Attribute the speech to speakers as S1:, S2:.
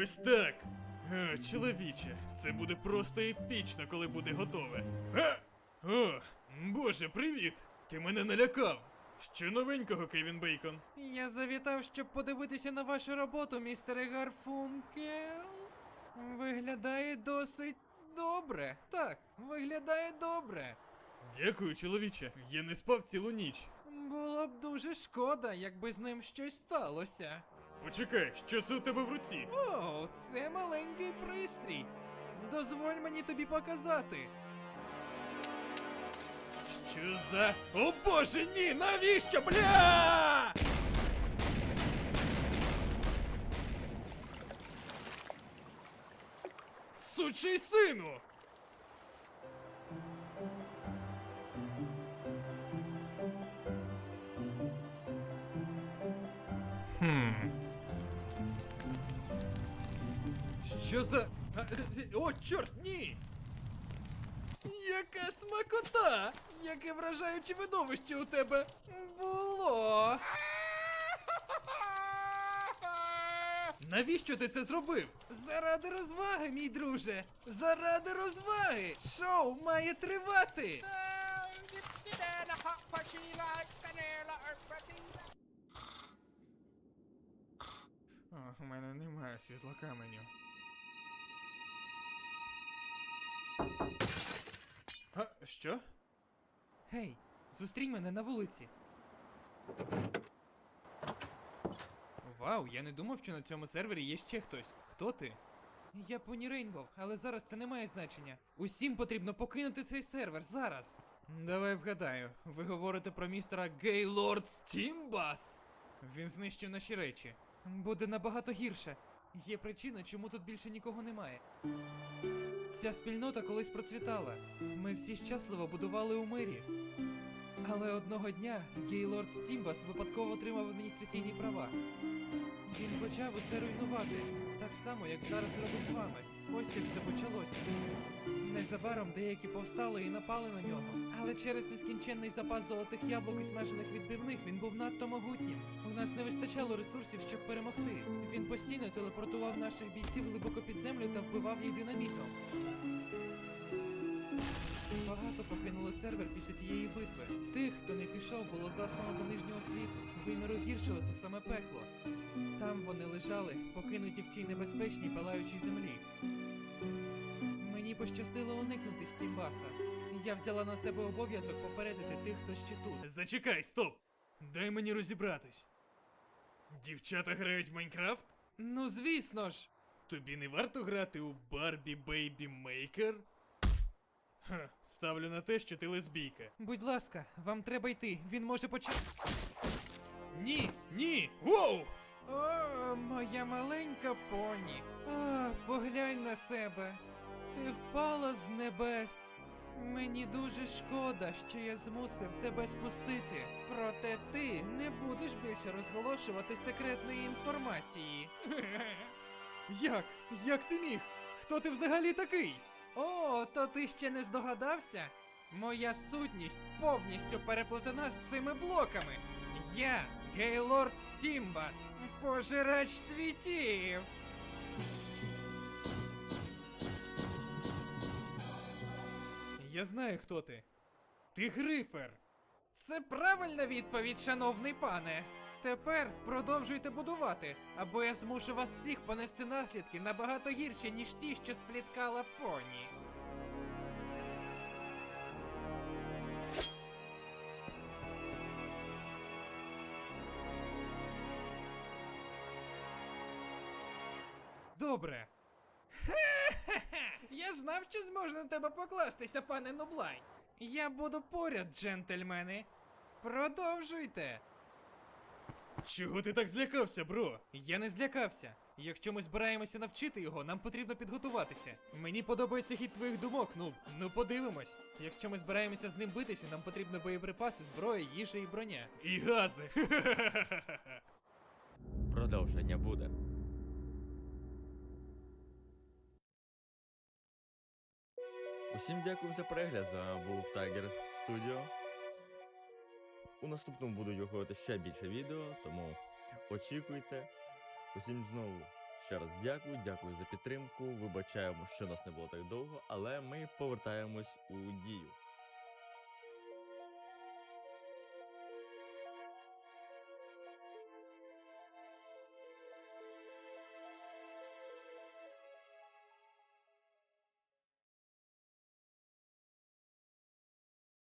S1: Ось так. Чоловіче, це буде просто епічно, коли буде готове. О, боже, привіт! Ти мене налякав. Що новенького, Кевін Бейкон?
S2: Я завітав, щоб подивитися на вашу роботу, містере Гарфункел. Виглядає досить добре. Так, виглядає добре.
S1: Дякую, чоловіче. Я не спав цілу ніч.
S2: Було б дуже шкода, якби з ним щось сталося.
S1: Почекай, що це у тебе в руці?
S2: О, це маленький пристрій. Дозволь мені тобі показати.
S1: Що за... О боже, ні! Навіщо, бля! Сучий сину! Що за... О, чорт, ні! Яка смакота! Яке вражаюче видовище у тебе було! Навіщо ти це зробив? Заради розваги, мій друже! Заради розваги! Шоу має тривати! О, у мене немає світла каменю. А, що? Гей, зустрінь мене на вулиці. Вау, я не думав, що на цьому сервері є ще хтось. Хто ти? Я Поні Рейнбов, але зараз це не має значення. Усім потрібно покинути цей сервер зараз. Давай вгадаю, ви говорите про містера Гейлорд Стімбас? Він знищив наші речі. Буде набагато гірше. Є причина, чому тут більше нікого немає. Ця спільнота колись процвітала. Ми всі щасливо будували у мирі. Але одного дня Гейлорд Стімбас випадково отримав адміністраційні права. Він почав усе руйнувати, так само, як зараз робить з вами. Ось як це почалося. Незабаром деякі повстали і напали на нього. Але через нескінченний запас золотих яблук і смажених відбивних він був надто могутнім. У нас не вистачало ресурсів, щоб перемогти. Він постійно телепортував наших бійців глибоко під землю та вбивав їх динамітом. Багато покинули сервер після тієї битви. Тих, хто не пішов, було заслано до нижнього світу, виміру гіршого за саме пекло. Там вони лежали, покинуті в цій небезпечній палаючій землі. Мені пощастило уникнути Стімбаса. Я взяла на себе обов'язок попередити тих, хто ще тут. Зачекай, стоп! Дай мені розібратись. Дівчата грають в Майнкрафт?
S2: Ну звісно ж!
S1: Тобі не варто грати у Барбі Бейбі Мейкер? Ха, ставлю на те, що ти лесбійка.
S2: Будь ласка, вам треба йти, він може почати.
S1: Ні, ні! Воу!
S2: О, моя маленька поні. А, поглянь на себе. Ти впала з небес. Мені дуже шкода, що я змусив тебе спустити. Проте ти не будеш більше розголошувати секретної інформації.
S1: Як? Як ти міг? Хто ти взагалі такий?
S2: О, то ти ще не здогадався? Моя сутність повністю переплетена з цими блоками. Я Гейлорд Стімбас, пожирач світів.
S1: Я знаю, хто ти. Ти Грифер.
S2: Це правильна відповідь, шановний пане. Тепер продовжуйте будувати, або я змушу вас всіх понести наслідки набагато гірші, ніж ті, що спліткала поні.
S1: Добре.
S2: Я знав, що зможу на тебе покластися, пане Нублай. Я буду поряд, джентльмени. Продовжуйте.
S1: Чого ти так злякався, бро?
S2: Я не злякався. Якщо ми збираємося навчити його, нам потрібно підготуватися. Мені подобається хід твоїх думок, ну подивимось. Якщо ми збираємося з ним битися, нам потрібно боєприпаси, зброя, їжа і броня.
S1: І гази.
S3: Продовження буде. Усім дякую за перегляд. З вами був Tiger Studio. У наступному буду виходити ще більше відео, тому очікуйте. Усім знову Ще раз дякую за підтримку. Вибачаємо, що нас не було так довго, але ми повертаємось у дію.